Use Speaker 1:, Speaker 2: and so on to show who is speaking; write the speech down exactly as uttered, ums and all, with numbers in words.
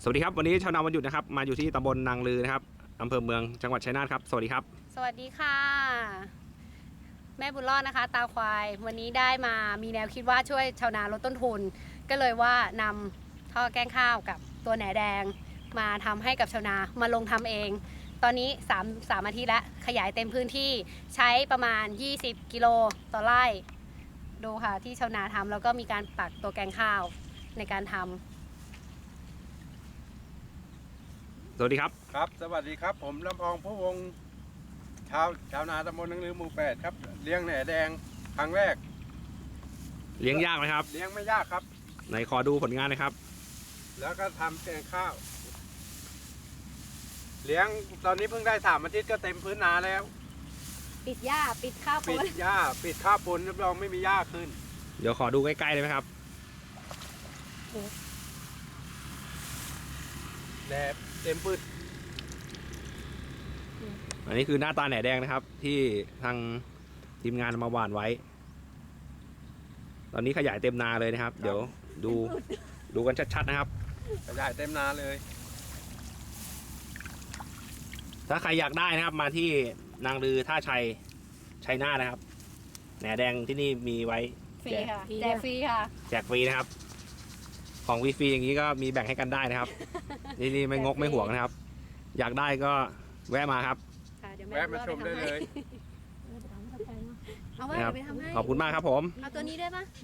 Speaker 1: สวัสดีครับวันนี้ชาวนาวันหยุดนะครับมาอยู่ที่ตำบลนางลือนะครับอำเภอเมืองจังหวัดชัยนาทครับสวัสดีครับ
Speaker 2: สวัสดีค่ะแม่บุญรอดนะคะตาควายวันนี้ได้มามีแนวคิดว่าช่วยชาวนาลดต้นทุนก็เลยว่านำท่อแกงข้าวกับตัวแหนแดงมาทำให้กับชาวนามาลงทำเองตอนนี้3 3อาทิตย์แล้วขยายเต็มพื้นที่ใช้ประมาณยี่สิบกิโลต่อไร่ดูค่ะที่ชาวนาทำแล้วก็มีการปักตัวแกงข้าวในการทำ
Speaker 1: สวัสดีครับ
Speaker 3: ครับสวัสดีครับผมลำพองผู้วงชาวชาวนาตำบลนางลือหมู่แปดครับเลี้ยงแหน่แดงครั้งแรก
Speaker 1: เลี้ยงยากไหมครับ
Speaker 3: เลี้ยงไม่ยากครับ
Speaker 1: ไหนขอดูผลงานนะครับ
Speaker 3: แล้วก็ทำแกงข้าวเลี้ยงตอนนี้เพิ่งได้สามอาทิตย์ก็เต็มพื้นนาแล้ว
Speaker 2: ปิดหญ้าปิดข้าว
Speaker 3: ปิดหญ้าปิดข้าวปนรับรองไม่มีหญ้าขึ้น
Speaker 1: เดี๋ยวขอดูใกล้ๆได้ไหมครับ
Speaker 3: แดดเต็มพืช
Speaker 1: อันนี้คือหน้าตาแหน่แดงนะครับที่ทางทีมงานมาหว่านไว้ตอนนี้ขยายเต็มนาเลยนะครับเดี๋ยวดูดูกันชัดๆนะครับ
Speaker 3: ขยายเต็มนาเลย
Speaker 1: ถ้าใครอยากได้นะครับมาที่นางลือท่าชัยชัยนาทนะครับแหน่แดงที่นี่มีไว้
Speaker 2: ฟรีค่ะแจกฟรีค่ะ
Speaker 1: แจกฟรีนะครับของฟรีๆอย่างนี้ก็มีแบ่งให้กันได้นะครับนี่นี่ไม่งกไม่ห่วงนะครับอยากได้ก็แวะมาครับ
Speaker 3: แวะมาชมได้เลย
Speaker 2: เอาไว้เดี๋ยวไปทำให้
Speaker 1: ขอบคุณมากครับผม
Speaker 2: เอาตัวนี้ได้ปะ